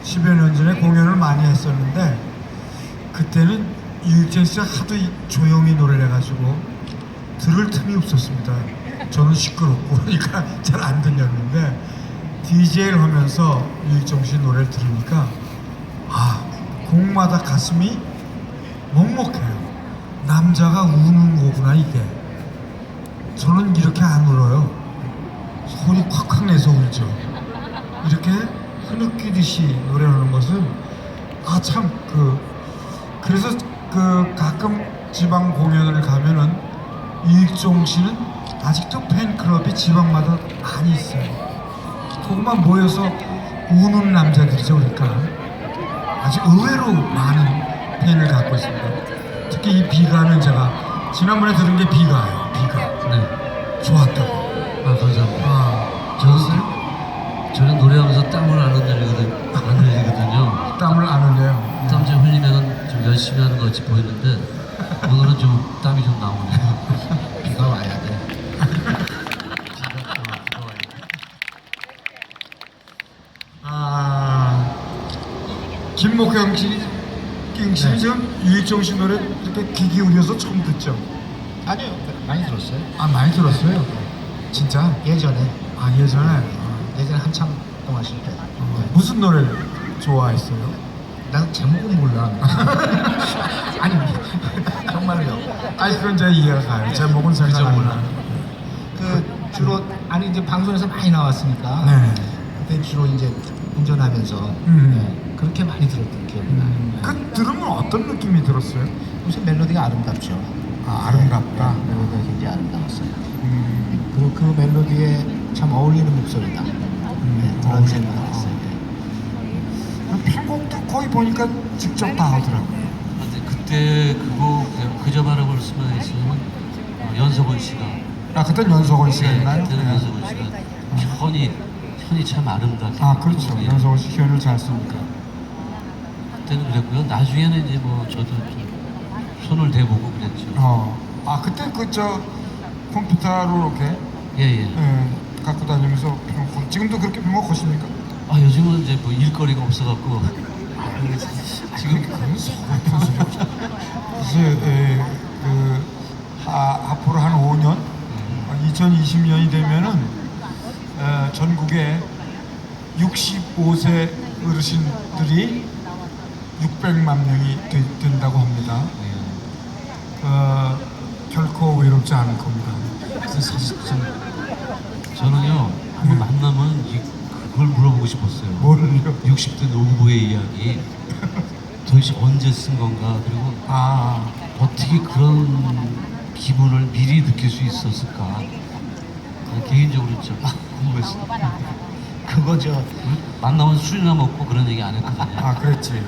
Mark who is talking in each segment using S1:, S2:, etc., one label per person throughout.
S1: 10여 년 전에 공연을 많이 했었는데 그때는 이익재 씨가 하도 조용히 노래를 해가지고 들을 틈이 없었습니다. 저는 시끄럽고 그러니까 잘 안 들렸는데 DJ를 하면서 이익정 씨 노래를 들으니까 아, 곡마다 가슴이 먹먹해요. 남자가 우는 거구나 이게. 저는 이렇게 안 울어요. 소리 콱콱 내서 울죠. 이렇게 흐느끼듯이 노래하는 것은 아 참 그래서 가끔 지방 공연을 가면은 이익종 씨는 아직도 팬클럽이 지방마다 많이 있어요. 그것만 모여서 우는 남자들이죠. 그러니까 아주 의외로 많은 팬을 갖고 있습니다. 특히 이 비가는 제가 지난번에 들은 게 비가예요. 비가
S2: 네.
S1: 좋았다고.
S2: 아, 감사합니다.
S1: 아,
S2: 저는 노래하면서 땀을 안 흘리거든요.
S1: 땀을 안 흘려요.
S2: 땀 좀 흘리면 좀 열심히 하는 것 같이 보이는데 오늘은 좀 땀이 좀 나오네요. 비가 와야 돼. 비가 와야 돼.
S1: 아, 김목경 씨는 지금 이익정 씨 노래 이렇게 귀 기울여서 처음 듣죠?
S3: 아니요, 많이 들었어요.
S1: 아, 많이 들었어요? 진짜?
S3: 예전에
S1: 아, 예전에?
S3: 한참 동안씩 때.
S1: 무슨 노래를 좋아했어요?
S3: 난 제목은 몰라. 아니 정말요.
S1: 아니, 그건 제가 이해가 가요. 제목은 생각 안 나요.
S3: 주로 이제 방송에서 많이 나왔으니까.
S1: 네.
S3: 그때 주로 이제 운전하면서 네, 그렇게 많이 들었던 기억이 나요.
S1: 그 들으면 어떤 느낌이 들었어요?
S3: 우선 멜로디가 아름답죠.
S1: 아, 아름답다.
S3: 멜로디가 굉장히 아름다웠어요. 그리고 그 멜로디에 참 어울리는 목소리다. 그런 생각을 했어요.
S1: 편곡도 거의 보니까 직접 다 하더라고요.
S2: 근데 그때 그저 바라볼 수만 있으면 연석원 씨가
S1: 아, 그땐 연석원 씨가 있나요?
S2: 그때는 연석원 씨가 현이 참 아름답게.
S1: 아, 그렇죠.
S2: 예.
S1: 연석원 씨 현을 잘 쓰니까.
S2: 그때는 그랬고요. 나중에는 이제 뭐 저도 좀 손을 대보고 그랬죠.
S1: 아, 그때 컴퓨터로 이렇게
S2: 예.
S1: 갖고 다니면서 편곡. 지금도 그렇게 편곡 하십니까?
S2: 아, 요즘은 이제 뭐 일거리가 없어갖고
S1: 지금 그런 이제 앞으로 한 5년, 2020년이 되면은 전국에 65세 어르신들이 600만 명이 된다고 합니다. 결코 외롭지 않을 겁니다.
S2: 그래서 사실 저는요 한번 만나면 그걸 물어보고 싶었어요.
S1: 뭘요?
S2: 60대 노부부의 이야기 도대체 언제 쓴 건가, 그리고 어떻게 그런 기분을 미리 느낄 수 있었을까. 개인적으로 좀 궁금했어요.
S3: 그거
S2: 만나면 술이나 먹고 그런 얘기 안 했거든요.
S1: 아, 그랬지.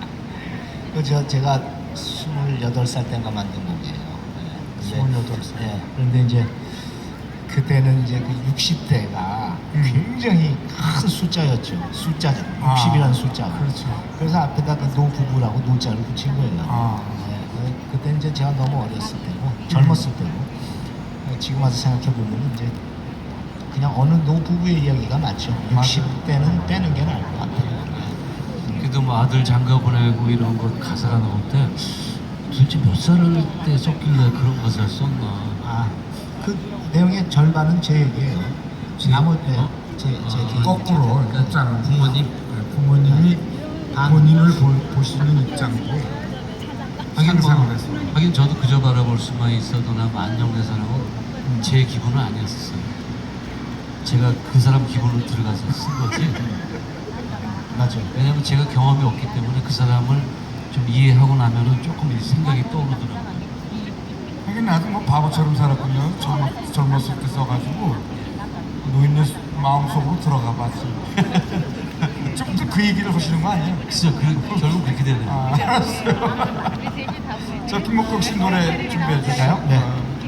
S3: 제가 28살 때가 만든 곡이에요.
S1: 28살.
S3: 네. 그런데 이제 그때는 이제 그 60대가 굉장히 큰 숫자였죠. 숫자죠. 60이라는 숫자.
S1: 그렇죠.
S3: 그래서 앞에다 그 노부부라고 노자를 붙인 거예요. 그때 이제 제가 너무 어렸을 때고 젊었을 때고 지금 와서 생각해 보면 이제 그냥 어느 노부부의 이야기가 맞죠. 60대는 빼는 게 나을 것 같아요.
S2: 그래도 뭐 아들 장가 보내고 이런 거 가사가 나올 때 도대체 몇 살 때 썼길래 그런 가사를 썼나.
S3: 그 내용의 절반은 제 얘기예요. 나머지 제 얘기.
S1: 거꾸로
S2: 그러니까
S1: 입장은
S2: 부모님이
S1: 본인을 보시는 입장으로 상상을 해서.
S2: 하긴 저도 그저 바라볼 수만 있어도나 뭐 안녕대사라고 제 기분은 아니었어요. 제가 그 사람 기분으로 들어가서 쓴 거지.
S3: 맞아요.
S2: 왜냐면 제가 경험이 없기 때문에 그 사람을 좀 이해하고 나면은 조금 생각이 떠오르더라고요.
S1: 하긴 나도 뭐 바보처럼 살았군요. 젊었을 때 써가지고 노인네 마음속으로 들어가 봤지. 좀 더 그 얘기를 하시는 거 아니에요?
S2: 그죠? 결국 그렇게 되네요.
S1: 알았어요. 저 김목경 씨 노래 준비해 주세요.
S3: 네.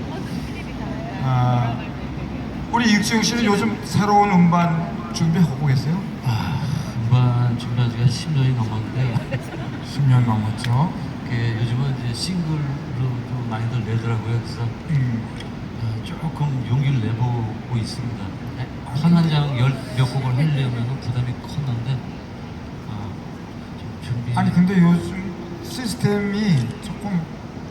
S1: 우리 이익정 씨는 요즘 새로운 음반 준비하고 계세요?
S2: 음반 준비한 지가 10년이 넘었는데
S1: 10년 넘었죠.
S2: 요즘은 이제 싱글로도 많이들 내더라고요. 그래서 조금 용기를 내보고 있습니다. 한 장 몇 곡을 하려면 부담이 컸는데
S1: 아니 근데 요즘 시스템이 조금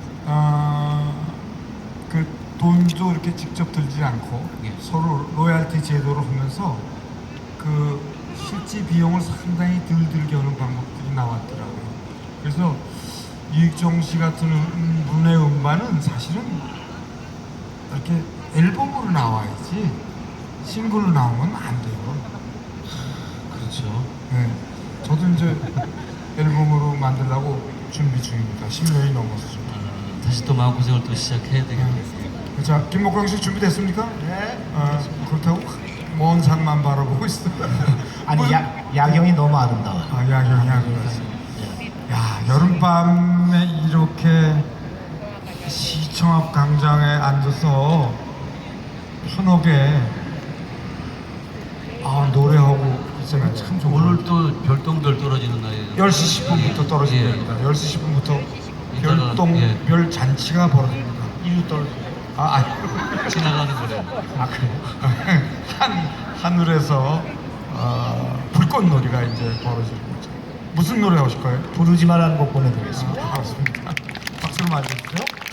S1: 그 돈도 이렇게 직접 들지 않고
S2: 예.
S1: 서로 로얄티 제도로 하면서 그 실제 비용을 상당히 덜 들게 하는 방법들이 나왔더라고요. 그래서 유익종 씨 같은 분의 음반은 사실은 이렇게 앨범으로 나와야지 싱글로 나오면 안 돼요.
S2: 그렇죠.
S1: 네. 저도 이제 앨범으로 만들려고 준비 중입니다. 10년이 넘었어요.
S2: 다시 또 마음고생을 또 시작해야 되겠네요.
S1: 자, 김목광 씨 준비됐습니까? 네. 그렇다고 먼 산만 바라보고 있어요.
S3: 아니 야경이 너무 아름다워요.
S1: 야경이 아름다워요. 야, 여름밤에 이렇게 시청 앞 광장에 앉아서 편하게 노래하고 있으면 참 좋은
S2: 오늘 또 별똥별 떨어지는 날이에요.
S1: 10시 10분부터 떨어집니다. 10시 10분부터 별똥별 잔치가 벌어집니다.
S3: 이유 떨어지고.
S1: 아니.
S2: 지나가는 거래요.
S3: 그래요?
S1: 하늘에서 불꽃놀이가 이제 벌어질 거죠. 무슨 노래 하실까요?
S3: 부르지 말라는 곡 보내드리겠습니다.
S1: 반갑습니다. 박수로 맞아주세요.